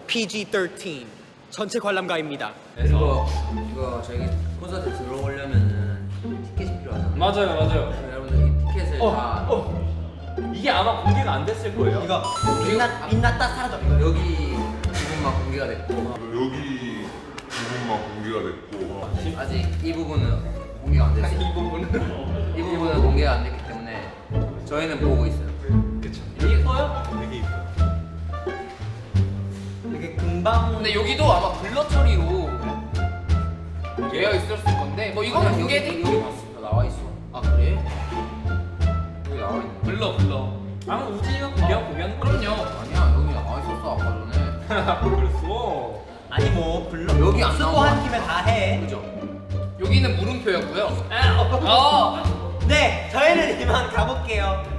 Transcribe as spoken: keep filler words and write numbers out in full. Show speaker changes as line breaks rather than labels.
피지 십삼 전체 관람가입니다.
이거 이거 저희 콘서트 들어오려면은 티켓이 필요하잖아요.
맞아요, 맞아요.
여러분들 이 티켓을
어,
다
어. 이게 아마 공개가 안 됐을 거예요.
이거 빛났, 빛났다 사라져.
여기 부분만 공개가 됐고
여기 부분만 공개가 됐고
아직 이 부분은 공개가 안 됐어요.
이 부분은
이 부분은 공개가 안 됐기 때문에 저희는 보고 있어요.
그쵸. 이거요?
되게 이뻐. 되게 금방.
근데 여기도 아마 블러 처리로 되어 있을 건데 뭐 이거는
아니야,
공개돼.
여기 여기 봤어. 나와 있어.
아 그래?
여기 나와 있네.
블러 블러.
아마 우진이가 공개하고 공개하는 거죠.
그럼요.
아니야 여기 나와 있었어 아까 전에.
그랬어.
아니 뭐 불러.
여기 안
쓰고
나온
한
거
김에 다 해.
그죠?
여기는 물음표였고요.
아, 어.
어.
네, 저희는 이만 가볼게요.